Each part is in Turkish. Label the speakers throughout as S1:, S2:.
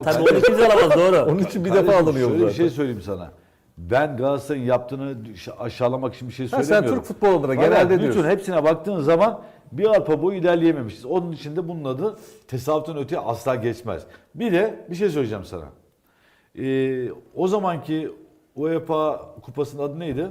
S1: Tabii onu kimse alamaz, doğru.
S2: Onun için bir
S3: Kardeşim,
S2: defa alınıyor bu
S3: şöyle bir
S2: zaten.
S3: şey söyleyeyim sana. Ben Galatasaray'ın yaptığını aşağılamak için bir şey
S2: Ha,
S3: söylemiyorum.
S2: sen Türk futbolu adına
S3: Fakat
S2: genelde
S3: bütün
S2: diyorsun.
S3: hepsine baktığın zaman bir arpa boyu ilerleyememişiz. Onun için de bunun adı tesadüften öteye asla geçmez. Bir de bir şey söyleyeceğim sana. O zamanki UEFA kupasının adı neydi?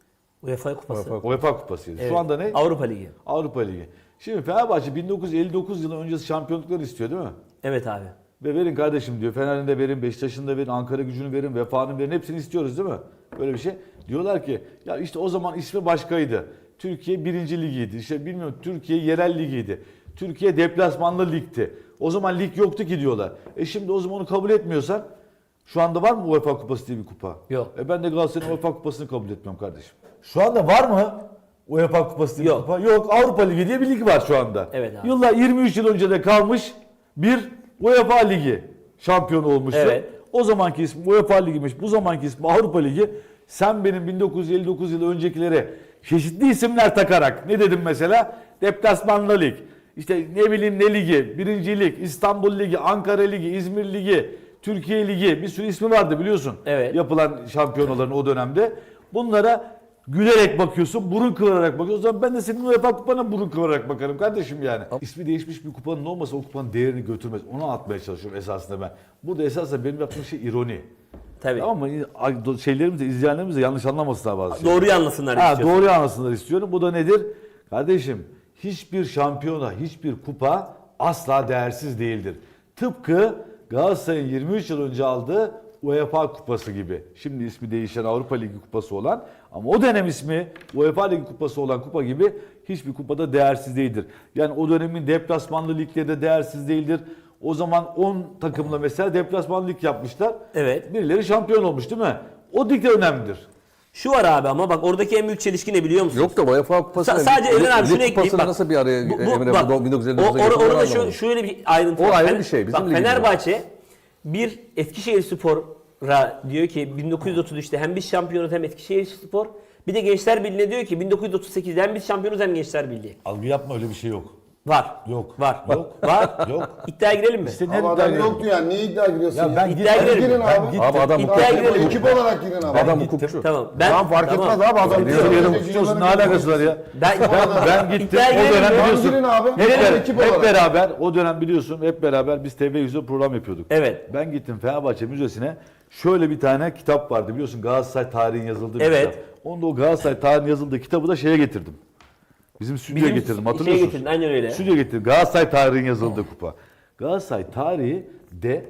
S1: UEFA Kupası.
S3: UEFA kupasıydı.
S1: Evet.
S3: Şu anda ne?
S1: Avrupa Ligi.
S3: Avrupa Ligi. Şimdi Fenerbahçe 1959 yılı öncesi şampiyonlukları istiyor değil mi?
S1: Evet abi.
S3: Ve verin kardeşim diyor. Fener'in de verin, Beşiktaş'ın da verin, Ankara Gücü'nü verin, Vefa'nın verin. Hepsini istiyoruz değil mi? Böyle bir şey. Diyorlar ki ya işte o zaman ismi başkaydı. Türkiye 1. Ligiydi. İşte bilmiyorum Türkiye yerel ligiydi. Türkiye deplasmanlı ligdi. O zaman lig yoktu ki diyorlar. Şimdi o zaman onu kabul etmiyorsan şu anda var mı UEFA Kupası diye bir kupa?
S1: Yok.
S3: Ben de Galatasaray'ın UEFA Kupası'nı kabul etmiyorum kardeşim. Şu anda var mı UEFA Kupası diye bir
S1: Yok.
S3: kupa? Yok. Avrupa Ligi diye bir lig var şu anda.
S1: Evet abi.
S3: Yıllar 23 yıl önce de kalmış bir UEFA Ligi şampiyonu olmuştu.
S1: Evet.
S3: O zamanki ismi UEFA Ligi'miş. Bu zamanki ismi Avrupa Ligi. Sen benim 1959 yılı öncekilere çeşitli isimler takarak ne dedim mesela? Deplasmanlı lig. İşte ne bileyim ne ligi, Birinci Lig, İstanbul Ligi, Ankara Ligi, İzmir Ligi, Türkiye Ligi bir sürü ismi vardı biliyorsun.
S1: Evet.
S3: Yapılan şampiyonaların o dönemde. Bunlara gülerek bakıyorsun, burun kıvırarak bakıyorsun. O zaman ben de senin UEFA kupana burun kıvırarak bakarım kardeşim yani. İsmi değişmiş bir kupanın olmasa o kupanın değerini götürmez. Onu atmaya çalışıyorum esasında ben. Burada esasında benim yaptığım şey ironi.
S1: Tabii.
S3: Tamam mı? Şeylerimiz de, izleyenlerimiz de yanlış anlamasınlar bazı şeyleri.
S1: Doğruyu anlasınlar
S3: Ha,
S1: istiyorsun.
S3: doğruyu anlasınlar istiyorum. Bu da nedir? Kardeşim hiçbir şampiyona, hiçbir kupa asla değersiz değildir. Tıpkı Galatasaray'ın 23 yıl önce aldığı UEFA Kupası gibi. Şimdi ismi değişen Avrupa Ligi Kupası olan ama o dönem ismi UEFA Ligi Kupası olan kupa gibi hiçbir kupada değersiz değildir. Yani o dönemin deplasmanlı ligleri de değersiz değildir. O zaman 10 takımla mesela deplasmanlı lig yapmışlar.
S1: Evet.
S3: Birileri şampiyon olmuş değil mi? O lig de önemlidir.
S1: Şu var abi ama bak oradaki en büyük çelişki ne biliyor musun?
S2: Yok da UEFA Kupası
S1: Sadece Emre abi şunu ekleyeyim.
S2: Kupasını
S1: Bak,
S2: nasıl bir araya Emre
S1: bak,
S2: bu 1959'a
S1: orada
S2: getirdiler
S1: şöyle bir ayrıntı
S2: O
S1: var.
S2: ayrı bir şey, bizim
S1: Bak,
S2: ligimiz
S1: Fenerbahçe bir Eskişehirspor'a diyor ki 1933'te hem biz şampiyonuz hem Eskişehirspor. Bir de Gençler Birliği'ne diyor ki 1938'de hem biz şampiyonuz hem Gençler Birliği.
S3: Algı yapma öyle bir şey yok.
S1: Var.
S3: Yok.
S1: Var.
S3: Yok.
S1: Var.
S3: Yok.
S1: İddiaya girelim mi?
S3: İşte ne
S4: Ama
S3: iddia
S4: adam
S3: ediyorum?
S4: yoktu yani. Niye iddia giriyorsun
S3: Ya
S4: ya?
S3: ben
S1: İddiaya
S3: gittim.
S1: girelim.
S4: Girin abi.
S3: gittim.
S2: Abi adam
S1: İddiaya girelim.
S4: Ekip olarak girin abi.
S2: Adam
S3: gittim.
S2: hukukçu.
S1: Tamam.
S4: Tamam fark etmez abi. Adam
S3: Biliyorum,
S4: diyor,
S3: hukukçusun, ne alakası var ya? Ben gittim.
S1: İddiaya
S3: O
S1: girelim
S3: dönem
S1: mi?
S3: biliyorsun.
S4: Girin abi.
S3: Hep,
S4: Girelim ekip
S3: hep
S4: olarak.
S3: beraber o dönem biliyorsun hep beraber biz televizyon program yapıyorduk.
S1: Evet.
S3: Ben gittim Fenerbahçe Müzesi'ne. Şöyle bir tane kitap vardı biliyorsun Galatasaray tarihin yazıldığı bir
S1: Evet.
S3: kitap. Onda o Galatasaray tarihin yazıldığı kitabı da şeye getirdim. Bizim stüdyoya getirdim hatırlıyor musun?
S1: getirdin aynen öyle.
S3: Stüdyoya getirdim. Galatasaray tarihin yazıldığı kupa. Galatasaray tarihi de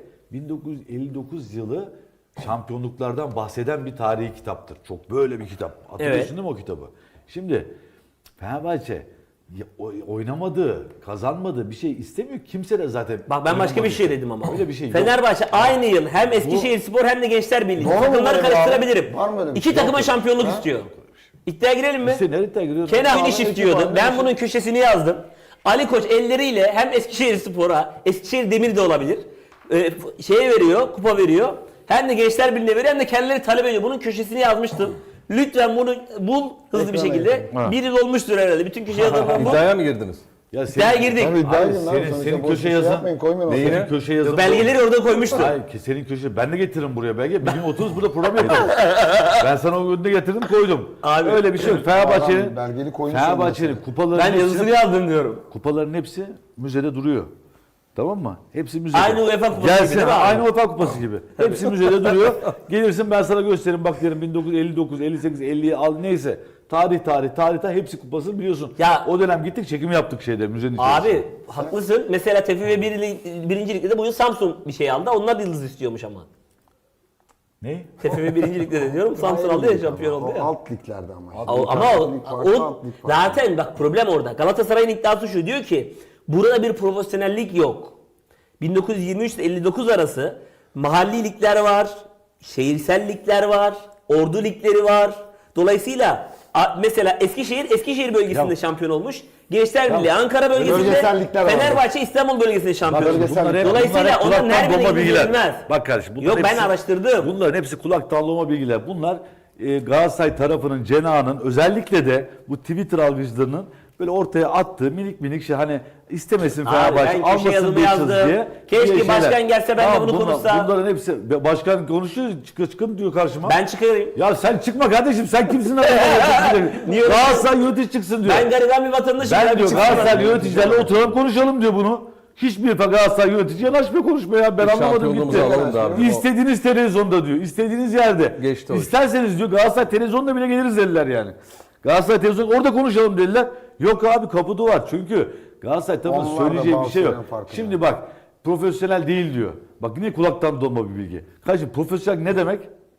S3: 1959 yılı şampiyonluklardan bahseden bir tarihi kitaptır. Çok böyle bir kitap. Hatırlıyorsun
S1: Evet.
S3: değil mi o kitabı? Şimdi Fenerbahçe oynamadığı, kazanmadığı bir şey istemiyor. Kimse de zaten
S1: Bak ben başka bir
S3: oynamadığı
S1: şey
S3: için.
S1: dedim ama.
S3: Öyle bir şey yok.
S1: Fenerbahçe aynı yıl hem Eskişehirspor hem de Gençler Birliği.
S4: Doğru mu
S1: Takımları
S4: böyle
S1: karıştırabilirim.
S4: Var mı öyle bir
S1: İki
S4: şey?
S1: takıma
S4: Yok.
S1: şampiyonluk istiyor. İddiaya girelim mi?
S3: İşte nereye giriyoruz?
S1: Kenan
S4: Abi,
S1: Ünişif
S4: ekip
S1: diyordu.
S4: var,
S1: Ben
S4: Ünişif.
S1: bunun köşesini yazdım. Ali Koç elleriyle hem Eskişehirspor'a, Eskişehir Demir de olabilir. Şeye veriyor, kupa veriyor. Hem de Gençler Birliği'ne veriyor hem de kendileri talep ediyor. Bunun köşesini yazmıştım. Lütfen bunu bul hızlı bir
S4: Ekrana
S1: şekilde.
S3: Ha.
S1: Bir yıl olmuştur herhalde. Bütün köşe yazılarını bul.
S2: İddiaya mı girdiniz?
S3: Ya
S1: İddiaya girdik.
S4: Tabii iddia
S3: Abi,
S4: girin abi.
S3: senin
S4: Sonuçta boş
S3: köşe
S4: bir şey
S3: yazın.
S4: yapmayın, koymayın ortaya.
S2: Neyine?
S3: Senin köşe yazın.
S1: Belgeleri orada koymuştum.
S3: Hayır ki senin köşe. Ben de getiririm buraya belge. Bir gün otururuz burada program yaparız. Ben sana o önüne getirdim koydum.
S1: Abi.
S3: Öyle bir şey yok. Fenerbahçe'nin
S4: Adam belgeli koymuş
S3: Fenerbahçe'nin
S4: önüne.
S3: kupaların
S1: Ben yazısını yazdım diyorum.
S3: kupaların hepsi müzede duruyor. Tamam mı? Hepsi müzede.
S1: Aynı UEFA kupası
S3: Gelsin,
S1: gibi değil mi abi?
S3: aynı UEFA kupası gibi. Hepsi müzede duruyor. Gelirsin ben sana gösteririm bak derim 1959, 58, 50'yi al neyse. Tarih hepsi kupasını biliyorsun.
S1: Ya-
S3: o dönem gittik çekim yaptık şeyde müzenin içerisinde.
S1: Abi haklısın. Mesela TFF 1. Lig'de bu yıl Samsun bir şey aldı. Onlar da yıldız istiyormuş ama.
S3: Ne?
S1: TFF 1. Lig'de de diyorum. Samsun aldı ya şampiyon oldu
S4: O
S1: ya.
S4: alt liglerde ama.
S1: Ama zaten bak problem orada. Galatasaray'ın iddiası şu diyor ki burada bir profesyonellik yok. 1923 ile 59 arası mahalli ligler var, şehirsel ligler var, ordu ligleri var. Dolayısıyla mesela Eskişehir bölgesinde
S3: Ya-
S1: şampiyon olmuş. Gençler Birliği Ankara bölgesinde,
S4: Bölgesel ligler var.
S1: Fenerbahçe İstanbul bölgesinde şampiyon olmuş.
S4: bölgesel
S3: Bunlar hep-
S1: Dolayısıyla
S3: bunlar hep
S1: onların
S3: kulaktan
S1: her birine
S3: dolma bilgiler.
S1: bilgilenmez.
S3: Bak kardeşim. bunların
S1: Yok ben
S3: hepsi-
S1: araştırdım.
S3: Bunların hepsi kulaktan dolma bilgiler. Bunlar Galatasaray tarafının, cenahının özellikle de bu Twitter algıcılarının böyle ortaya attığı minik minik şey hani İstemesin
S1: Abi
S3: Fenerbahçe,
S1: ben köşe
S3: almasın
S1: yazımı
S3: bir yıldız
S1: yazdım.
S3: diye.
S1: Keşke
S3: diye
S1: başkan
S3: şeyler.
S1: gelse ben de bunu konuşsam.
S3: Bunların hepsi, başkan konuşuyor, çıkın diyor karşıma.
S1: Ben çıkarayım.
S3: Ya sen çıkma kardeşim, sen kimsin?
S1: Niye öyle
S3: Galatasaray yönetici çıksın diyor.
S1: Ben gariban bir vatandaşım.
S3: Ben
S1: ya, bir
S3: diyor
S1: çıksana.
S3: Galatasaray yöneticilerle oturalım konuşalım diyor bunu. Hiçbir Galatasaray yönetici yanaşmıyor konuşmaya. Ben anlamadım
S2: şampiyonluğumuzu
S3: gitti.
S2: alalım da abi.
S3: İstediğiniz televizyonda diyor. İstediğiniz yerde.
S2: Geçti o iş.
S3: İsterseniz diyor Galatasaray televizyonda bile geliriz dediler yani. Galatasaray televizyonda orada konuşalım dediler. Yok abi kapı duvar. Çünkü Galatasaray tarafının
S4: Onlar da
S3: söyleyeceği bir şey yok.
S4: Galatasaray'ın farkında.
S3: Şimdi bak profesyonel değil diyor. Bak yine kulaktan dolma bir bilgi. Kardeşim profesyonel ne demek?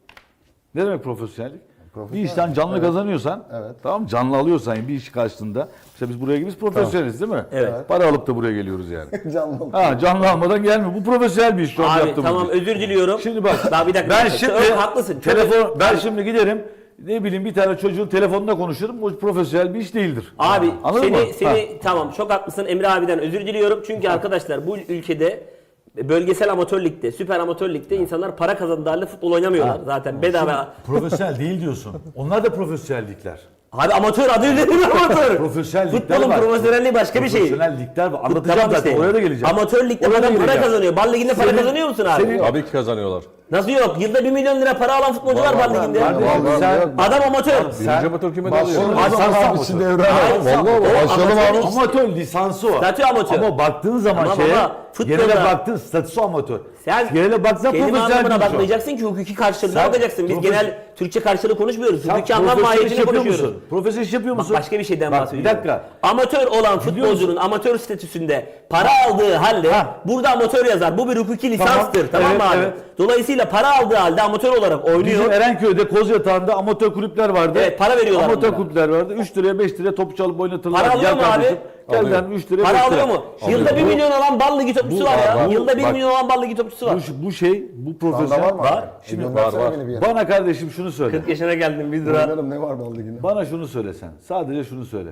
S3: Ne demek profesyonellik? Bir işten canlı kazanıyorsan,
S4: Evet.
S3: tamam canlı alıyorsan bir iş karşılığında, işte biz buraya gibiyiz profesyoneliz değil mi?
S1: Evet.
S3: Para alıp da buraya geliyoruz yani.
S4: Canlı.
S3: Ha canlı almadan gelmiyor. Bu profesyonel bir iş şu an
S1: Abi
S3: yaptığımız
S1: tamam
S3: iş.
S1: özür diliyorum.
S3: Şimdi bak
S1: Daha bir dakika.
S3: ben
S1: bir dakika.
S3: şimdi
S1: Haklısın.
S3: ben şimdi giderim ne bileyim bir tane çocuğun telefonuna konuşurum. O profesyonel bir iş değildir.
S1: Abi
S3: Anladın mı?
S1: seni tamam çok haklısın Emre abiden özür diliyorum. Çünkü arkadaşlar bu ülkede bölgesel amatör ligde, süper amatör ligde insanlar para kazandığı halde futbol oynamıyorlar. Zaten bedava.
S3: Profesyonel değil diyorsun. Onlar da profesyonellikler.
S1: Abi amatör adı üzerinde amatör.
S3: Profesyonel ligler
S1: Futbolun
S3: var.
S1: profesyonelliği başka bir şey.
S3: Profesyonel ligler var. Anlatacağım
S1: Tamam
S3: zaten.
S1: işte.
S3: Oraya da geleceğim.
S1: Amatör ligde
S3: Oraya da
S1: adam para
S3: geleceğim.
S1: kazanıyor. Bal liginde para
S3: Senin-
S1: kazanıyor musun abi?
S3: senin-
S2: Tabii ki kazanıyorlar.
S1: Nasıl yok? Yılda 1 milyon lira para alan futbolcu var Bal liginde.
S3: Kardeşim
S4: Var,
S3: sen
S4: var.
S1: Adam amatör.
S2: Birinci amatör kime
S4: Başlayalım
S2: dalıyor?
S4: o
S3: Ay,
S4: zaman
S3: sen
S4: abi
S3: sağ
S4: şimdi
S3: olsun.
S4: Evren.
S1: Ay,
S4: Vallahi
S1: o
S4: başlayalım
S1: amatör
S4: abi.
S3: amatör lisansı var.
S1: Statü amatör.
S3: Ama baktığın zaman
S1: Tamam
S3: şeye,
S1: ama futbolda-
S3: genele baktığın statüsü amatör.
S1: Sen
S3: Genele baksan
S1: kelime
S3: profesyonel
S1: anlamına
S3: bir iş o.
S1: bakmayacaksın ki hukuki karşılığına
S3: Sen
S1: bakacaksın. Biz
S3: profes-
S1: genel Türkçe karşılığı konuşmuyoruz.
S3: Sen
S1: Hukuki anlam
S3: profesyonel iş
S1: mahiyetini
S3: yapıyor
S1: konuşuyoruz.
S3: musun? Profesyonel iş yapıyor
S1: Bak
S3: musun?
S1: başka bir şeyden
S3: Bak,
S1: bahsediyorum.
S3: bir dakika.
S1: Amatör olan
S3: musun?
S1: futbolcunun amatör statüsünde para aldığı halde burada amatör yazar. Bu bir hukuki lisanstır. Tamam
S3: Evet,
S1: mı abi?
S3: evet.
S1: Dolayısıyla para aldığı halde amatör olarak oynuyor.
S3: Bizim Erenköy'de Kozyatağı'nda amatör kulüpler vardı.
S1: Evet, para veriyorlar
S3: Amatör
S1: bunlara.
S3: kulüpler vardı. 3 liraya 5 liraya topu çalıp oynatırlar.
S1: Para alıyor mu abi?
S3: Gel
S2: Alıyor.
S3: lan 3 liraya
S1: Para
S3: 5
S1: alıyor
S3: lira.
S1: mu? Yılda 1
S3: Bu-
S1: milyon alan Bal Ligi topçusu var ya.
S2: var.
S1: Yılda 1
S3: Bak.
S1: milyon alan Bal Ligi topçusu var.
S3: Bu şey, bu
S4: Sanda
S3: profesyonel.
S4: var mı?
S1: Var.
S4: Şimdi
S2: var, var.
S4: beni bir yere.
S3: Bana kardeşim şunu söyle.
S1: 40 yaşına geldim 1 lira.
S4: Oynarım, ne var Bal Ligi'nde?
S3: Bana şunu söyle sen. Sadece şunu söyle.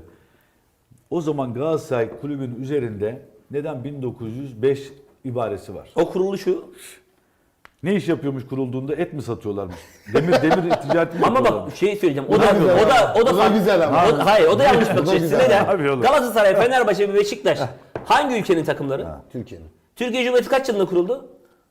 S3: O zaman Galatasaray kulübün üzerinde neden 1905 ibaresi var?
S1: O kuruluşu.
S3: Ne iş yapıyormuş kurulduğunda? Et mi satıyorlarmış? Demir ticareti mi
S1: Ama
S3: yapıyorlarmış?
S1: bak şey söyleyeceğim. O
S4: Bu
S1: da
S4: da güzel
S1: o da
S4: ama. Bu da güzel ama.
S1: Hayır o da yanlış bakış açısı.
S4: güzel.
S1: Neden?
S3: Abi oğlum.
S1: Galatasaray, Fenerbahçe ve Beşiktaş hangi ülkenin takımları?
S4: Türkiye'nin.
S1: Türkiye Cumhuriyeti kaç yılında kuruldu?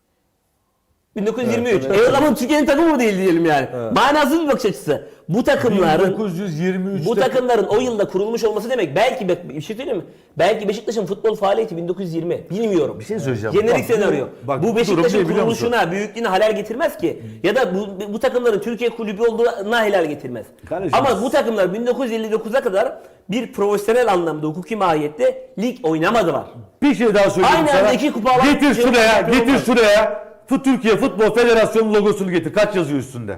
S1: 1923.
S4: Evet,
S1: O zaman Türkiye'nin takımı mı değil diyelim yani. Manasız bir bakış açısı. Bu takımların
S3: 1923'te
S1: bu takımların o yılda kurulmuş olması demek belki bir şey söyleyeyim mi? Belki Beşiktaş'ın futbol faaliyeti 1920. Bilmiyorum.
S3: Bir şey söyleyeceğim.
S1: Jenerik
S3: Bak,
S1: senaryo.
S3: bak,
S1: Bu
S3: bu
S1: Beşiktaş'ın
S3: durum ne biliyor musun?
S1: kuruluşuna, büyüklüğüne halel getirmez ki. Ya da bu takımların Türkiye kulübü olduğuna helal getirmez.
S3: Kardeşim,
S1: Ama bu takımlar 1959'a kadar bir profesyonel anlamda hukuki mahiyette lig oynamadılar.
S3: bir şey daha söyleyeyim
S1: Aynı
S3: sana.
S1: anda iki kupa alan
S3: Getir
S1: şey
S3: şuraya,
S1: şampiyon
S3: getir
S1: olmaz.
S3: şuraya. Türkiye Futbol Federasyonu logosunu getir. Kaç yazıyor üstünde?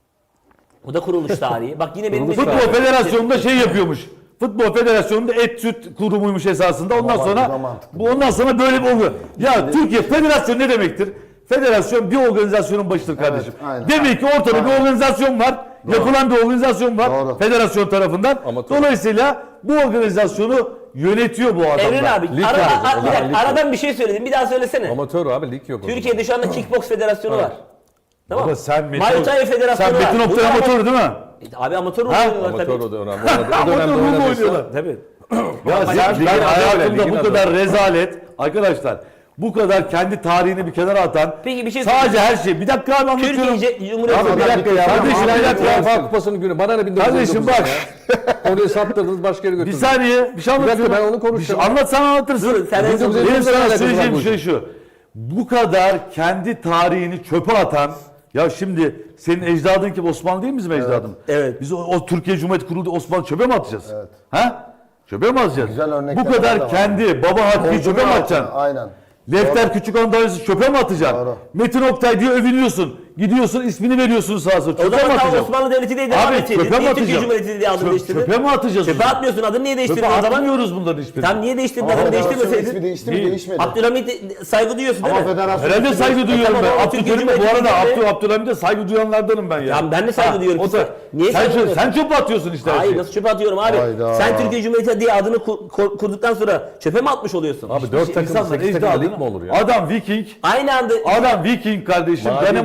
S1: O da kuruluş tarihi. Bak yine benim
S3: Futbol Federasyonu'nda şey yapıyormuş. Futbol Federasyonunda et süt kurumuymuş esasında. Ondan
S4: Bak,
S3: sonra
S4: bu da mantıklı.
S3: ondan sonra böyle bir oluyor. Ya Türkiye Federasyon ne demektir? Federasyon bir organizasyonun başıdır kardeşim.
S4: aynen.
S3: Demek ki ortada bir organizasyon var. Yapılan bir organizasyon var.
S4: Doğru.
S3: Federasyon tarafından.
S2: Amatör.
S3: Dolayısıyla bu organizasyonu yönetiyor bu adamlar.
S1: Evren abi
S2: Lig var. O
S1: bir
S2: zaman
S1: dakika,
S2: lig var.
S1: aradan bir şey söyledim. Bir daha söylesene.
S2: Amatör abi lig yok. o zaman.
S1: Türkiye'de şu anda Kickbox Federasyonu var. Tamam.
S3: Baba sen
S1: Muay Thai Federasyonu
S3: sen
S1: var.
S3: Metin Oktay
S1: Bunlar
S3: amatör değil mi?
S1: Abi amatör
S3: Ha?
S1: oynuyorlar
S2: Amatör
S1: tabii.
S2: o da önemli. O
S3: Amatör
S2: dönemde
S3: ruhla
S2: oynadıysa.
S3: oynuyorlar.
S1: Tabii.
S3: Ya
S2: ligin
S3: ben
S2: adı öyle,
S3: hayatımda
S2: ligin
S3: bu
S2: adı
S3: kadar
S2: öyle.
S3: rezalet arkadaşlar bu kadar kendi tarihini bir kenara atan
S1: Peki bir şey
S3: sadece her şey bir dakika abi anlatıyorum.
S1: Türkiye Cumhuriyeti
S3: Abi bir dakika ya kardeşim bir dakika ya.
S2: UEFA Kupası'nın günü. Bana ne 1999
S3: Kardeşim bak.
S2: ya. Orayı sattırdınız başka yere
S3: Bir
S2: götürdünüz.
S3: saniye bir şey anlatıyorum.
S2: ben onu konuşacağım.
S3: Anlatsan anlatırsın.
S1: Dur, sen en son-
S3: Benim
S2: 1999'da
S3: sana
S2: alakası
S3: söyleyeceğim
S2: var
S3: bir
S2: bu
S3: şey şu. Bu kadar kendi tarihini çöpe atan ya şimdi senin ecdadın kim Osmanlı değil mi bizim ecdadım?
S1: Evet.
S3: Biz o Türkiye Cumhuriyeti kuruldu Osmanlı çöpe mi atacağız?
S4: Evet.
S3: Ha? Çöpe mi atacağız?
S4: Güzel örnekler
S3: Bu kadar
S4: de var.
S3: kendi baba hakkı çöpe mi atacaksın?
S4: Aynen.
S3: Lefter Küçük Andalya'sı çöpe mi atacaksın?
S4: Doğru.
S3: Metin Oktay diye övünüyorsun. Gidiyorsun ismini veriyorsun sağa sola.
S1: O
S3: Çöpe mi
S1: zaman tam
S3: atacaksın?
S1: Osmanlı Devleti diye devam
S3: Abi
S1: edeceydin.
S3: çöpe mi
S1: Niye Türkiye
S3: atacağım?
S1: Cumhuriyeti diye adını değiştirdin?
S3: Çöpe mi atacağız?
S1: Çöpe atmıyorsun. Adını niye değiştirdin
S3: Çöpe
S1: o zaman?
S3: atmıyoruz bunların hiçbirini.
S1: Tam niye değiştirdin?
S4: Ama
S1: Adını
S4: federasyonun ismi
S1: değiştirmeseydin.
S4: değişti mi?
S3: Değil.
S4: Değişmedi.
S1: Abdülhamit'e saygı duyuyorsun değil
S4: Ama
S1: mi?
S4: federasyon
S3: Herhalde
S4: ismi
S3: saygı
S4: değişti.
S3: duyuyorum
S1: Tamam,
S3: ben.
S1: o Türkiye
S3: Abdülkerim'e bu arada
S1: Cumhuriyeti değil
S3: Abdülhamit'e saygı duyanlardanım ben ya.
S1: Ya ben de saygı duyuyorum.
S3: O da,
S1: Niye
S3: sen,
S1: saygı
S3: çöp,
S1: duyuyorsun?
S3: sen çöpe atıyorsun işte her
S1: Hayır
S3: şeyi.
S1: nasıl çöpe atıyorum abi?
S4: Hayda.
S1: Sen Türkiye Cumhuriyeti diye adını kurduktan sonra çöpe mi atmış oluyorsun?
S2: Abi 4 takım
S3: İnsanlar
S2: 8 takım lig mi
S3: ecdadını,
S2: olur ya?
S3: adam Viking,
S1: Aynı anda
S3: adam Viking kardeşim.
S2: Mavi
S3: Danimarka
S2: lig, mavi.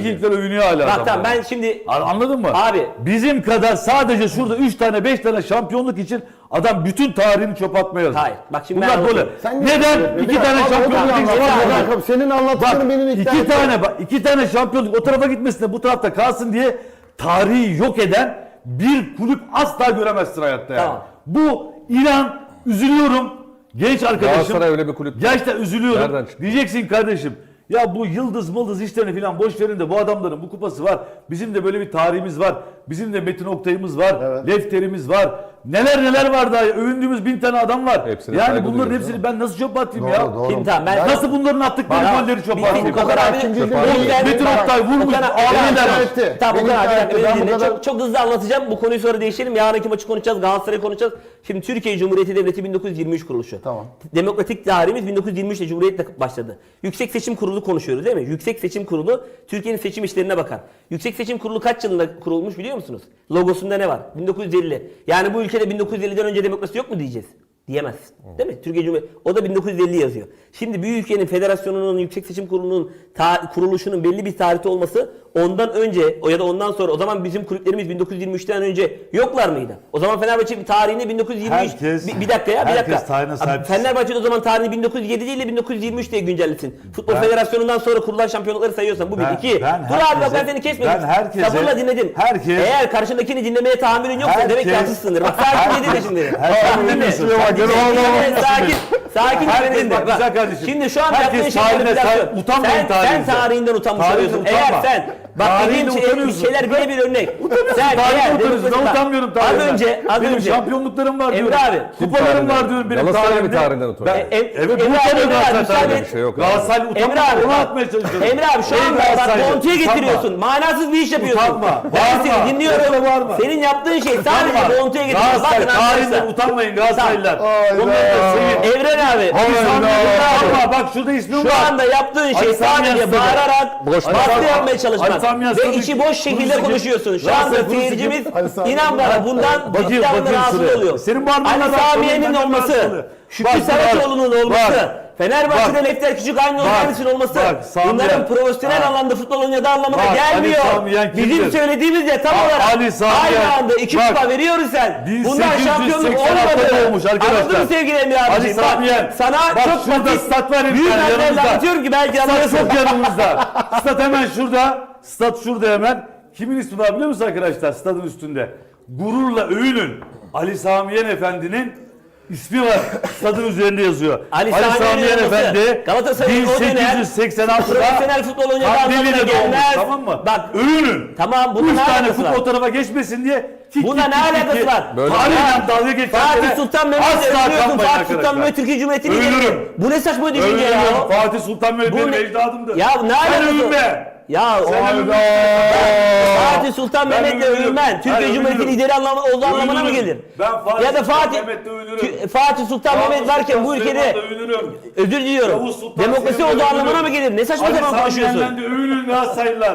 S3: Vikingler övünüyor hala.
S1: Bak
S3: adamlar.
S1: tamam ben şimdi
S3: Anladın mı?
S1: Abi.
S3: Bizim kadar sadece şurada 3 tane 5 tane şampiyonluk için adam bütün tarihini çöpe atmaya yazıyor.
S1: Hayır, bak şimdi ben
S3: Bunlar böyle.
S1: anlatayım.
S4: Sen
S3: Neden?
S4: Bir
S3: 2
S4: dakika,
S3: tane
S4: abi, o da
S3: şampiyonluk
S4: bir
S3: için.
S4: anlat.
S1: Bak,
S4: Bir dakika, senin anlattıkların beni
S3: Bak
S4: ikna etmedi.
S3: 2 tane şampiyonluk o tarafa gitmesin de bu tarafta kalsın diye tarihi yok eden bir kulüp asla göremezsin hayatta yani.
S1: Tamam.
S3: Bu inan üzülüyorum. Genç arkadaşım.
S2: Galatasaray öyle bir kulüp.
S3: Gerçekten üzülüyorum.
S2: Nereden çıktı?
S3: Diyeceksin kardeşim. Ya bu yıldız işlerini falan boş verin de bu adamların bu kupası var. Bizim de böyle bir tarihimiz var. Bizim de Metin Oktay'ımız var.
S4: Evet.
S3: Lefterimiz var. Neler var daha. Övündüğümüz 1000 tane adam var.
S2: Hepsine
S3: Yani
S2: saygı
S3: bunların
S2: duyuyoruz,
S3: hepsini ben nasıl çöpe atayım
S4: Doğru,
S3: ya?
S4: doğru.
S1: Şimdi tamam ben
S3: Nasıl bunların attıkları
S1: Bak,
S3: golleri çöpe
S1: bir-
S3: atayım?
S1: bir- Okan abi-
S4: ikinci
S1: Okan-
S3: Metin Oktay vurmuş.
S1: Okan-
S3: Ağlayın
S1: Okan-
S3: dermiş.
S4: etti.
S1: Tamam
S4: Beni
S1: Okan abi bir
S4: ikna
S1: dakika
S4: etti.
S1: beni
S4: Ben bu
S1: dinle.
S4: kadar-
S1: Çok hızlı anlatacağım. Bu konuyu sonra değiştirelim. Yarınki maçı konuşacağız. Galatasaray'ı konuşacağız. Şimdi Türkiye Cumhuriyeti Devleti 1923 kuruluşu.
S4: Tamam.
S1: Demokratik tarihimiz 1923 ile Cumhuriyet'le başladı. Yüksek Seçim Kurulu konuşuyoruz değil mi? Yüksek Seçim Kurulu Türkiye'nin seçim işlerine bakar. Yüksek Seçim Kurulu kaç yılında kurulmuş biliyor musunuz? Logosunda ne var? 1950. Yani bu ülkede 1950'den önce demokrasi yok mu diyeceğiz? Diyemezsin. Değil mi? Türkiye Cumhuriyeti. O da 1950 yazıyor. Şimdi bir ülkenin federasyonunun, Yüksek Seçim Kurulu'nun kuruluşunun belli bir tarihte olması ondan önce ya da ondan sonra o zaman bizim kulüplerimiz 1923'ten önce yoklar mıydı? O zaman Fenerbahçe bir tarihini 1923
S3: Herkes-
S1: bir dakika ya bir
S3: herkes
S1: dakika.
S3: tarihine sahip
S1: Abi,
S3: çıksın.
S1: Fenerbahçe o zaman tarihini 1907 değil de 1923 diye güncellesin. Futbol Federasyonu'ndan sonra kurulan şampiyonlukları sayıyorsan bu bir.
S3: Ben-
S1: İki.
S3: ben
S1: Dur abi bak ben
S3: herkese-
S1: seni kesmedim.
S3: ben herkese-
S1: Sabırla dinledim.
S3: herkes-
S1: Eğer karşındakini dinlemeye tahammülün yoksa demek ki
S3: Herkes-
S1: haksızsındır. Bak sakin dinle şimdi.
S3: Herkes
S1: Bak, dinle.
S3: dinliyorsun.
S1: Bak, dinle. Sakin. Sakin
S3: Herkes
S1: dinle.
S3: bak, güzel kardeşim.
S1: Şimdi şu an
S3: Herkes
S1: yaptığın şey
S3: tarihine
S1: manipülasyon.
S3: sahip- utanmayın
S1: Sen
S3: tarihinizden.
S1: tarihinden utanmış
S3: Tarihinden
S1: oluyorsun. Eğer
S3: utanma.
S1: sen bak
S3: Tarihinde
S1: dediğim
S3: utanıyorsun.
S1: şeyler bile bir örnek. Sen
S3: Tarihine
S1: eğer
S3: utanıyorsun. Ben
S1: bak,
S3: utanmıyorum
S1: Az
S3: tarihimden.
S1: az
S3: Benim
S1: önce.
S3: şampiyonluklarım var
S1: Emre
S3: diyorum.
S1: abi.
S3: Kupalarım var diyorum benim
S2: Galatasaray bir
S3: tarihimde.
S2: tarihinden utanıyor.
S3: Evet
S1: Emre
S3: bu
S1: abi,
S3: utanıyor
S1: Emre abi,
S3: Galatasaray
S1: müsaade
S3: tarihinde.
S1: et.
S2: Bir şey yok.
S3: Galatasaray
S1: Emre
S3: utanmıyor.
S1: abi,
S3: Onu
S1: bak.
S3: atmaya çalışıyorum.
S1: Emre abi şu
S3: Ey
S1: anda bak
S3: Galatasaraylı,
S1: Bontu'ya
S3: utanma.
S1: getiriyorsun. Manasız bir iş yapıyorsun.
S3: Utanma,
S1: Ben
S3: bağırma,
S1: seni dinliyorum.
S3: kusura bakma.
S1: Senin yaptığın şey sadece
S3: Utanma.
S1: Bontu'ya getiriyorsun.
S3: Galatasaray
S1: Bakın
S3: tarihinden
S1: arkadaşlar.
S3: utanmayın Galatasaraylılar.
S4: Hayda.
S3: Bunları da sevin.
S1: Evren abi.
S3: Ali Sami
S1: Hayda.
S3: Yen'e bak şurada ismim
S1: Şu
S3: var.
S1: anda yaptığın şey
S3: Ali Sami
S1: sadece
S3: Yen'e
S1: bağırarak
S2: Boş
S1: baskı
S3: ver.
S1: yapmaya
S3: Ali
S1: çalışmak
S3: Sami Yen'e
S1: ve
S3: tabii
S1: içi boş şekilde
S3: Kurusu kim?
S1: konuşuyorsun. Şu
S3: Galatasaray
S1: anda
S3: Kurusu
S1: seyircimiz
S3: kim?
S4: Ali Sami
S1: inan
S4: Yen.
S1: bana bundan
S3: Bakayım,
S1: cidden
S3: bakayım
S1: rahatsız
S3: şuraya.
S1: oluyor.
S3: Senin parmağınla
S1: Ali
S3: bak,
S1: Sami
S3: sorun
S1: Yen'in
S3: benden
S1: olması,
S3: rahatsız.
S1: Şükrü
S3: Bak,
S1: Saraçoğlu'nun
S3: bak,
S1: olması,
S3: bak.
S1: Fenerbahçe'de
S3: Bak.
S1: Lefter Küçük aynı
S3: Bak.
S1: organizasyon olması
S3: Bak, Sami
S1: bunların
S3: Yen.
S1: profesyonel
S3: Bak.
S1: alanda futbol oynadığı anlamına
S3: Bak,
S1: gelmiyor.
S3: Ali Sami Yen kimdir?
S1: Bizim söylediğimiz de tam
S3: Bak,
S1: olarak
S3: Ali Sami Yen.
S1: aynı anda iki
S3: Bak,
S1: kupa veriyoruz sen. Bundan
S3: 1886'da
S1: şampiyonluk olmadı.
S3: olmuş arkadaşlar.
S1: Anladın mı sevgili Emre abiciğim?
S3: Ali Sami Yen.
S1: Bak, sana
S3: Bak,
S1: çok
S3: şurada
S1: basit,
S3: stat var
S1: büyük
S3: yani,
S1: harflerle
S3: yanımızda.
S1: anlatıyorum ki belki
S3: Stat
S1: anlıyorsun.
S3: çok yanımızda. Stat hemen şurada. Stat şurada hemen. Kimin ismi var biliyor musun arkadaşlar? Stadın üstünde. Gururla övünün. Ali Sami Yen Efendi'nin ismi var. Stadın üzerinde yazıyor.
S1: Ali Sami Yen
S3: Efendi
S1: Galatasaray'ın o dönem
S3: 1886'da
S1: profesyonel futbol oynadığı anlamına
S3: Kandili'de doğmuş,
S1: gelmez.
S3: tamam mı?
S1: Bak,
S3: övünün.
S1: tamam, bunun
S3: 3
S1: ne
S3: tane
S1: alakası
S3: kupa
S1: var?
S3: o tarafa geçmesin diye
S1: Buna ne alakası var?
S2: Böyle-
S3: Tarihle dalga geçenlere
S1: Fatih Sultan Mehmet'le
S3: asla
S1: övünüyorsun.
S3: kanmayın
S1: Fatih
S3: arkadaşlar.
S1: Sultan Mehmet Türkiye Cumhuriyeti'ni
S3: Övünürüm.
S1: geliyor. Bu ne saçma düşünce ya?
S3: Övünürüm. Fatih Sultan Mehmet
S1: Bu
S3: benim
S1: ne-
S3: ecdadımdır.
S1: Ya ne
S3: Sen
S1: alakası?
S3: övünme.
S1: Ya
S3: Sen övünme.
S1: Fatih Sultan
S3: Ben
S1: Mehmet'le
S3: övünürüm.
S1: övünmen
S3: Ben
S1: Türkiye Cumhuriyeti
S3: övünürüm.
S1: lideri olduğu anlamına mı
S3: Övünürüm.
S1: gelir?
S3: Ben Fatih
S1: Ya da
S3: Sultan
S1: Fatih
S3: Mehmet'le övünürüm.
S1: Fatih Sultan Mehmet varken bu ülkede özür diliyorum.
S3: Yavuz Sultan
S1: Demokrasi
S3: Selim'le
S1: olduğu anlamına
S3: övünürüm.
S1: mı gelir? Ne saçma
S3: Ali
S1: sapan
S3: Sami
S1: konuşuyorsun?
S3: Yen'den de övünün Galatasaraylılar.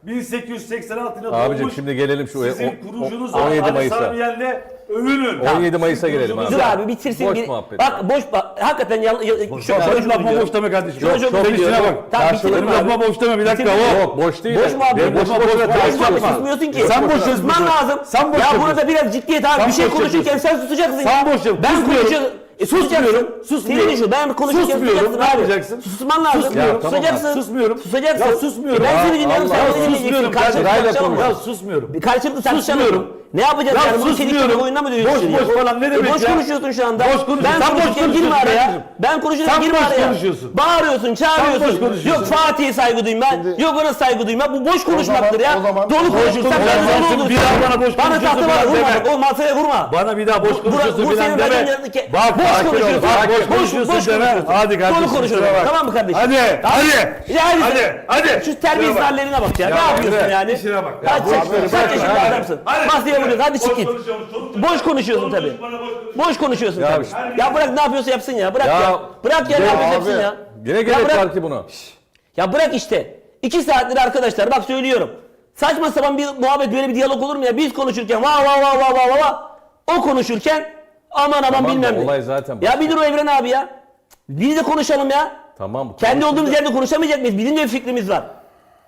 S3: 1886 yılında
S2: Abicim
S3: doğmuş.
S2: şimdi gelelim şu
S3: Sizin kurucunuz
S2: 17
S3: Ali
S2: Mayıs'a.
S3: Sami Yen'le övünün.
S2: 17 Mayıs'a
S3: Sizin
S2: gelelim
S3: kurucunuz-
S2: abi.
S1: Dur abi bitirsin.
S2: Boş
S1: bir-
S2: muhabbet.
S1: Bak boş hakikaten
S3: Boş lafma boş deme kardeşim.
S1: Şuna çok
S3: Sen
S1: biliyorum.
S3: işine bak.
S1: Tamam,
S3: Benim
S1: bitirin abi.
S3: lafma boş deme bir dakika.
S1: Bitirin.
S3: O.
S2: Yok boş değil.
S1: Boş muhabbet.
S3: Boş muhabbet.
S1: Boş muhabbet
S3: yapma.
S1: susmuyorsun ki.
S3: Sen boş
S1: Susman
S3: yapıyorsun.
S1: lazım.
S3: Sen boş
S1: ya
S3: yapıyorsun.
S1: burada biraz ciddiyet abi.
S3: Sen
S1: Bir şey
S3: boş
S1: konuşurken sen susacaksın.
S3: Sen boş yap.
S1: Ben
S3: Susmuyorum.
S1: konuşuyorum.
S3: Susmuyorum. Susmuyorum.
S1: Senin şu ben konuşurken
S3: Susmuyorum.
S1: susacaksın
S3: Ne
S1: abi.
S3: yapacaksın?
S1: Susman lazım.
S3: Susmuyorum.
S2: Tamam,
S1: Susacaksın.
S3: Susmuyorum.
S1: Susacaksın.
S3: Ya susmuyorum.
S1: Ben seni dinliyorum
S2: Allah
S1: sen
S2: Allah.
S1: beni dinleyeceksin.
S3: Susmuyorum.
S1: Karşılıklı
S2: Sırayla
S1: tartışalım mı?
S3: Ya susmuyorum.
S1: Bir karşılıklı tartışalım mı?
S3: Susmuyorum.
S1: Ne yapacağız
S3: Ya
S1: yani? Bunu çelik
S3: susmuyorum.
S1: çelik oyununa mı dönüştürüyorsun?
S3: Boş boş falan ne demek
S1: Boş
S3: ya?
S1: konuşuyorsun şu anda.
S3: Boş konuşuyorsun.
S1: Ben
S3: Sen boş
S1: konuşurken girme
S3: konuşuyorsun
S1: araya.
S3: kardeşim.
S1: Ben konuşurken
S3: Sen
S1: girme
S3: boş
S1: araya.
S3: konuşuyorsun.
S1: Bağırıyorsun,
S3: boş
S1: çağırıyorsun.
S3: konuşuyorsun.
S1: Yok Fatih'e saygı duyma. Yok ona saygı duyma. Bu boş konuşmaktır ya.
S4: o zaman-
S1: Dolu
S4: Boş
S1: konuşursan ben
S3: konuşuyorsun.
S1: dolu olursun.
S3: Bir daha bana boş
S1: Bana
S3: konuşuyorsun
S1: tahta
S3: falan
S1: vurma.
S3: deme.
S1: Bak, o masaya vurma.
S3: Bana bir daha boş konuşuyorsun
S1: Bu
S3: falan
S1: senin
S3: deme.
S1: radyon yanındaki.
S3: Bak
S1: Boş
S3: sakin ol.
S1: konuşuyorsun.
S3: Bak boş
S1: Boş
S3: konuşuyorsun deme.
S1: konuşuyorsun.
S3: Hadi kardeşim.
S1: Dolu konuşuyorsun.
S3: kusura bak.
S1: Tamam mı kardeşim?
S3: Hadi. Hadi.
S1: Ya
S3: Hadi.
S1: Şu terbiyesiz
S3: Şuna bak.
S1: hallerine bak ya.
S3: Ya
S1: Ne yapıyorsun
S3: Emre,
S1: yani?
S3: işine bak. Ya
S1: Kaç
S3: boş
S1: yaşında
S3: ver, bırak,
S1: yaşında
S3: hadi.
S1: adamsın?
S3: Hadi.
S1: Masaya vuruyorsun. Hadi çık
S3: Boş
S1: git.
S3: konuşuyormuş, çoluk
S1: Boş konuşuyorsun
S3: çocuk
S1: tabii.
S3: bana boş konuşuyor.
S1: Boş konuşuyorsun
S2: Ya
S1: tabii.
S2: işte-
S1: Ya bırak ne yapıyorsa yapsın ya. Bırak
S2: Ya-
S1: ya. Bırak ya ne
S2: Ya
S1: yapıyorsa
S4: abi.
S1: yapsın ya.
S2: Yine
S1: Ya
S2: gerek
S1: bırak-
S2: var ki buna.
S1: Ya bırak işte. 2 saattir arkadaşlar bak söylüyorum. Saçma sapan bir muhabbet böyle bir diyalog olur mu ya? Biz konuşurken va o konuşurken aman
S2: Tamam da
S1: bilmem ne.
S2: olay zaten
S1: Ya bir dur o Evren abi ya. Biz de konuşalım ya.
S2: Tamam.
S1: Kendi olduğumuz yerde konuşamayacak mıyız? Bizim de bir fikrimiz var.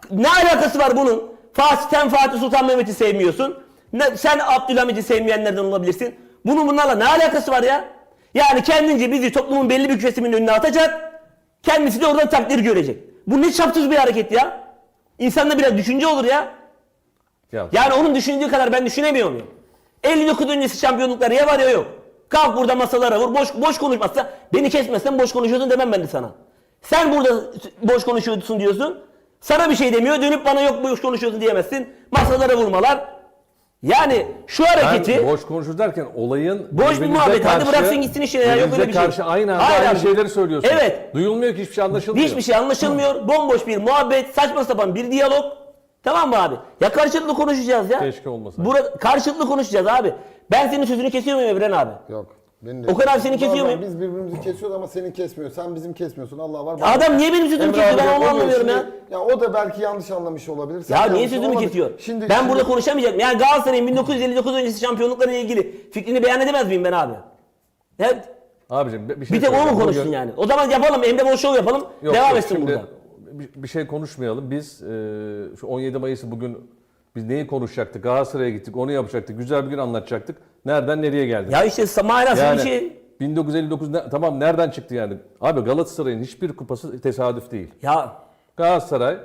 S1: Ne alakası var bunun? Sen Fatih Sultan Mehmet'i sevmiyorsun. Sen Abdülhamit'i sevmeyenlerden olabilirsin. Bunlarla ne alakası var ya? Yani kendince bizi toplumun belli bir kesiminin önüne atacak. Kendisi de oradan takdir görecek. Bu ne çapsız bir hareket ya? İnsanda biraz düşünce olur ya. Yani onun düşündüğü kadar ben düşünemiyor muyum? 59 öncesi şampiyonluklar ya var ya yok. Kalk burada masalara vur. Boş konuşmazsa beni kesmezsen boş konuşuyorsun demem ben de sana. Sen burada boş konuşuyorsun diyorsun. Sana bir şey demiyor. Dönüp bana yok boş konuşuyorsun diyemezsin. Masalara vurmalar. Yani şu hareketi...
S2: Ben boş konuşur derken olayın...
S1: Boş bir muhabbet. Hadi bıraksın gitsin işine ya. Yok öyle bir şey.
S2: Karşı aynı anda
S1: Hayır
S2: aynı
S1: abi.
S2: şeyleri söylüyorsun.
S1: Evet.
S2: Duyulmuyor ki hiçbir şey anlaşılmıyor.
S1: Hiçbir şey anlaşılmıyor. Bomboş bir muhabbet. Saçma sapan bir diyalog. Tamam mı abi? Ya karşılıklı konuşacağız ya.
S2: Keşke olmasaydı.
S1: Karşılıklı konuşacağız abi. Ben senin sözünü kesiyor muyum Evren abi?
S4: Yok. Beni
S1: Okan abi seni kesiyor muyum?
S4: Biz birbirimizi kesiyoruz ama seni kesmiyor. Sen bizim kesmiyorsun. Allah var.
S1: Adam niye benim sözümü
S4: Emre
S1: kesiyor?
S4: abi
S1: Ben onu
S4: oluyor
S1: anlamıyorum ya.
S4: şimdi. Ya o da belki yanlış anlamış olabilir. Sen
S1: Ya
S4: yanlış
S1: niye sözümü
S4: anlamadın.
S1: kesiyor?
S4: Şimdi
S1: Burada konuşamayacağım. Yani Galatasaray'ın 1959 öncesi şampiyonluklarıyla ilgili fikrini beyan edemez miyim ben abi? Ya,
S2: Abicim bir şey
S1: bir tek o mu
S2: söyleyeceğim.
S1: konuşsun yani? O zaman yapalım. Emre Bol Show yapalım.
S2: Yok,
S1: devam
S2: yok,
S1: etsin
S2: şimdi
S1: burada.
S2: bir şey konuşmayalım. Biz şu 17 Mayıs'ı bugün biz neyi konuşacaktık? Galatasaray'a gittik, onu yapacaktık. Güzel bir gün anlatacaktık. Nereden nereye geldik?
S1: Ya işte manasız
S2: Yani
S1: bir şey.
S2: 1959 tamam nereden çıktı yani? Abi Galatasaray'ın hiçbir kupası tesadüf değil.
S1: Ya
S2: Galatasaray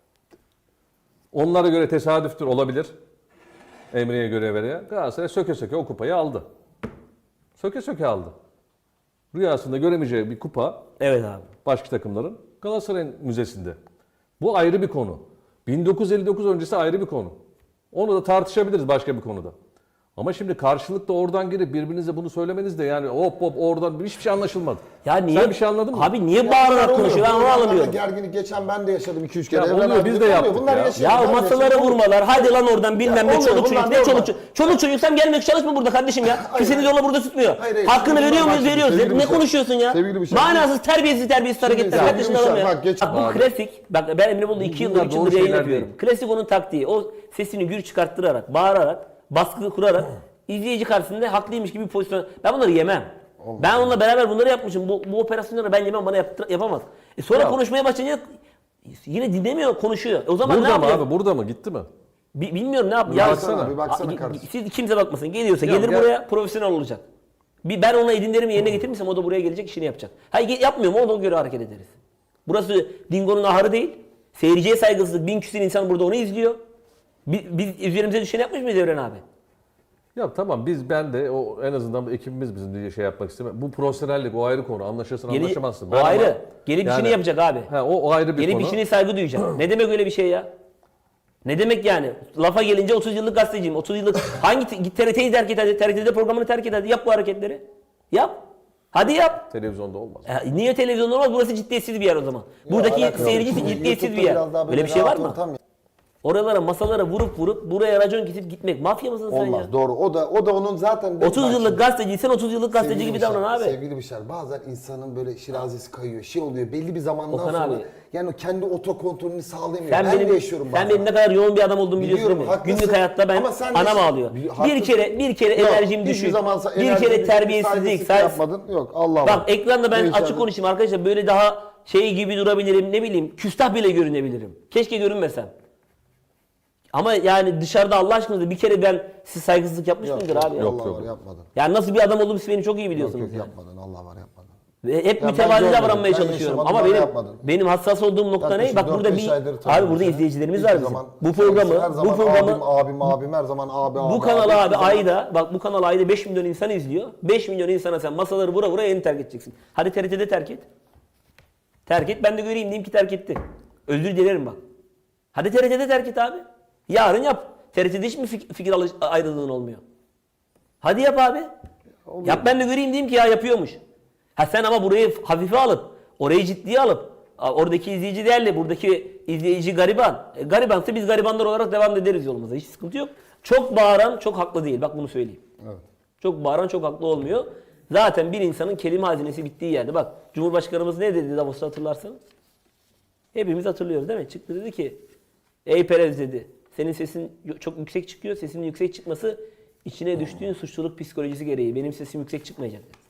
S2: onlara göre tesadüftür olabilir. Emre'ye göre veya Galatasaray söke söke o kupayı aldı. Söke söke aldı. Rüyasında göremeyeceği bir kupa
S1: evet abi.
S2: başka takımların Galatasaray'ın müzesinde. Bu ayrı bir konu. 1959 öncesi ayrı bir konu. Onu da tartışabiliriz başka bir konuda. Ama şimdi karşılıklı oradan girip birbirinize bunu söylemeniz de yani hop oradan hiçbir şey anlaşılmadı.
S1: Ya niye?
S2: Sen bir şey anladın mı?
S1: Abi niye bağırarak konuşuyor? Ben onu anlamıyorum.
S4: Gerginlik geçen ben de yaşadım 2-3 kere.
S2: Ya
S4: Evren
S2: oluyor,
S4: abi
S2: biz
S4: de
S2: de
S4: oluyor.
S2: yaptık
S4: Bunlar
S2: ya.
S4: yaşıyor,
S1: Ya
S4: ben
S1: masalara
S4: yaşadım.
S1: vurmalar. Hadi lan oradan bilmem ne
S4: oluyor,
S1: çoluk çocuk.
S4: bunlar
S1: Ne çoluk
S4: normal.
S1: çocuk? Çoluk çocuksam gelmek çalışma burada kardeşim ya. Kimsenin yola burada tutmuyor.
S4: Hayır,
S1: Hakkını
S4: şimdi
S1: veriyor
S4: bak
S1: muyuz?
S4: şimdi,
S1: Veriyoruz.
S4: sevgili
S1: Ne
S4: bir şey.
S1: konuşuyorsun ya?
S4: Sevgili bir şey.
S1: Manasız terbiyesiz hareketler.
S4: sevgili
S1: Kaç
S4: bir
S1: yaşında
S4: şey.
S1: adam ya?
S4: Bak, geç-
S1: Bak bu klasik. Bak ben Emre Bol'da 2 yıldır
S2: Bunlar
S1: 3
S2: doğru
S1: yıldır yayın
S2: şeyler
S1: yapıyorum.
S2: değil.
S1: Klasik onun taktiği. O sesini gür çıkarttırarak, bağırarak, baskı kurarak izleyici karşısında haklıymış gibi bir pozisyon. Ben bunları yemem. Ben onunla beraber bunları yapmışım. Bu operasyonları ben yemem, bana yapamaz. Sonra
S2: Ya.
S1: konuşmaya başlayınca yine dinlemiyor, konuşuyor. O zaman ne
S2: Burada mı
S1: yapıyor?
S2: abi? Burada mı? Gitti mi?
S1: Bilmiyorum ne yapıyor.
S2: Bir
S1: Ya,
S2: baksana,
S4: bir baksana kardeşim.
S1: siz kimse bakmasın. Geliyorsa
S2: Ya,
S1: gelir
S2: gel.
S1: buraya profesyonel olacak. Ben ona edinlerimi yerine getirmişsem o da buraya gelecek işini yapacak. Hayır yapmıyor mu ona göre hareket ederiz. Burası Dingo'nun ahırı değil. Seyirciye saygısızlık. 1000 küsur insan burada onu izliyor. Biz üzerimize düşeni yapmış mıyız Evren abi?
S2: Ya tamam ben de o en azından ekibimiz bizim diye şey yapmak istemiyor. Bu profesyonellik o ayrı konu. Anlaşırsın anlaşamazsın.
S1: O
S2: Ben ama-
S1: ayrı. Gelip işini
S2: Yani-
S1: yapacak abi.
S2: O ayrı bir
S1: Gelip
S2: konu.
S1: işine saygı duyacak. Ne demek öyle bir şey ya? Ne demek yani? Lafa gelince 30 yıllık gazeteciyim. 30 yıllık git TRT'yi terk et hadi. TRT'de programını terk et hadi. Yap bu hareketleri. Yap. Hadi yap.
S2: Televizyonda olmaz.
S1: Niye televizyon olmaz? Burası ciddiyetsiz bir yer o zaman. Buradaki
S4: alakası
S1: seyirci
S4: yok. Şimdi
S1: ciddiyetsiz bir
S4: YouTube'da
S1: yer.
S4: biraz daha
S1: Öyle bir şey var
S4: rahat
S1: mı?
S4: ortam ya.
S1: Oralara masalara vurup buraya racon kesip gitmek. Mafya mısın sen
S4: Olmaz
S1: ya?
S4: doğru. O da onun zaten
S1: 30 yıllık gazeteciysen 30 yıllık gazeteci
S4: Sevgili
S1: gibi
S4: Bişar,
S1: davran abi.
S4: Sevgili Bişar, bazen insanın böyle şirazesi kayıyor, şey oluyor. Belli bir zamandan
S1: Okan
S4: sonra
S1: abi.
S4: yani o kendi otokontrolünü sağlayamıyor.
S1: Sen
S4: Ben
S1: benim,
S4: de yaşıyorum
S1: sen
S4: bazen.
S1: benim ne kadar yoğun bir adam olduğumu biliyorsun
S4: Biliyorum,
S1: değil mi?
S4: haklısın.
S1: Günlük hayatta ben
S4: Ama sen de-
S1: anam ağlıyor.
S4: Haklısın.
S1: Bir kere
S4: Yok,
S1: enerjim
S4: hiçbir
S1: düşük.
S4: zaman
S1: Bir
S4: enerjin
S1: kere
S4: düşük,
S1: terbiyesizlik.
S4: saygısızlık yapmadın. Yok Allah var.
S1: Bak ekranda ben
S4: Değişen-
S1: açık konuşayım arkadaşlar. Böyle daha şey gibi durabilirim. Ne bileyim küstah bile görünebilirim. Keşke görünmesem. Ama yani dışarıda Allah aşkına bir kere ben siz saygısızlık yapmış
S4: Yok,
S1: mıydır
S4: yok,
S1: abi?
S2: Yok,
S4: Allah
S2: yok.
S4: var yapmadın.
S1: Yani nasıl bir adam olduğumu siz beni çok iyi
S4: Yok
S1: biliyorsunuz.
S4: yok
S1: yani.
S4: yapmadın. Allah var yapmadın.
S1: Ve hep
S4: ben
S1: mütevazi
S4: görmedim,
S1: davranmaya
S4: ben
S1: çalışıyorum.
S4: yaşamadım,
S1: Ama
S4: bana
S1: benim
S4: yapmadın.
S1: benim hassas olduğum nokta ne?
S4: Yaklaşık
S1: Bak burada
S4: 4-5 aydır
S1: abi
S4: tanıyorum
S1: burada
S4: seni.
S1: izleyicilerimiz
S4: Hiçbir
S1: var bizim.
S4: zaman-
S1: Bu programı
S4: her zaman abim her zaman abi.
S1: bu kanalı abi
S4: hiçbir
S1: ayda bak bu kanalı ayda 5 milyon insan izliyor. 5 milyon insana sen masaları vura yeni terk edeceksin. Hadi TRT'de terk et. Terk et ben de göreyim diyeyim ki terk etti. Özür dilerim bak. Hadi TRT'de terk et abi. Yarın yap. TRT'de hiç mi fikir ayrılığın olmuyor? Hadi yap abi. Yap ben de göreyim diyeyim ki ya yapıyormuş. Ha sen ama burayı hafife alıp, orayı ciddiye alıp, oradaki izleyici değerli, buradaki izleyici gariban. Garibansa biz garibanlar olarak devam ederiz yolumuza. Hiç sıkıntı yok. Çok bağıran çok haklı değil. Bak bunu söyleyeyim.
S4: Evet.
S1: Çok bağıran çok haklı olmuyor. Zaten bir insanın kelime hazinesi bittiği yerde. Bak Cumhurbaşkanımız ne dedi Davos'ta hatırlarsanız? Hepimiz hatırlıyoruz değil mi? Çıktı dedi ki, ey Perez dedi. Senin sesin çok yüksek çıkıyor. Sesinin yüksek çıkması içine düştüğün suçluluk psikolojisi gereği. Benim sesim yüksek çıkmayacak dedi.